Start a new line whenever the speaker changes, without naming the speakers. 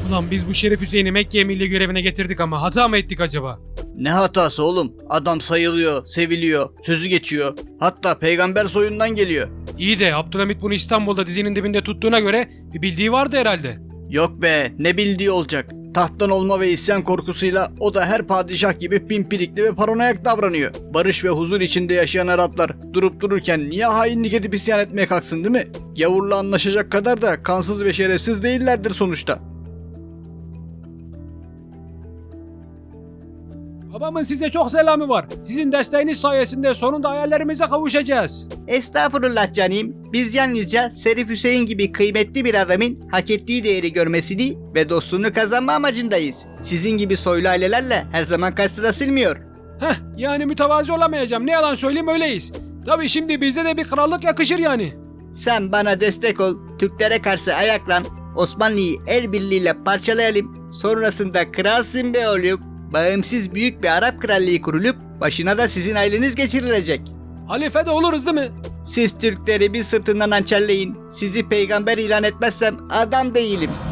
Ulan biz bu Şerif Hüseyin'i Mekke emirliği görevine getirdik ama hata mı ettik acaba?
Ne hatası oğlum? Adam sayılıyor, seviliyor, sözü geçiyor. Hatta peygamber soyundan geliyor.
İyi de Abdülhamit bunu İstanbul'da dizinin dibinde tuttuğuna göre bir bildiği vardı herhalde.
Yok be, ne bildiği olacak. Tahttan olma ve isyan korkusuyla o da her padişah gibi pimpirikli ve paranoyak davranıyor. Barış ve huzur içinde yaşayan Araplar durup dururken niye hainlik edip isyan etmeye kalksın, değil mi? Gavurla anlaşacak kadar da kansız ve şerefsiz değillerdir sonuçta.
Babamın size çok selamı var. Sizin desteğiniz sayesinde sonunda hayallerimize kavuşacağız.
Estağfurullah canım. Biz yalnızca Şerif Hüseyin gibi kıymetli bir adamın hak ettiği değeri görmesini ve dostluğunu kazanma amacındayız. Sizin gibi soylu ailelerle her zaman karşısına silmiyor.
Yani mütevazi olamayacağım. Ne yalan söyleyeyim öyleyiz. Tabii şimdi bize de bir krallık yakışır yani.
Sen bana destek ol, Türklere karşı ayaklan, Osmanlı'yı el birliğiyle parçalayalım. Sonrasında kralsın be oğlum. Bağımsız büyük bir Arap krallığı kurulup başına da sizin aileniz geçirilecek.
Halife de oluruz değil mi?
Siz Türkleri bir sırtından hançerleyin. Sizi peygamber ilan etmezsem adam değilim.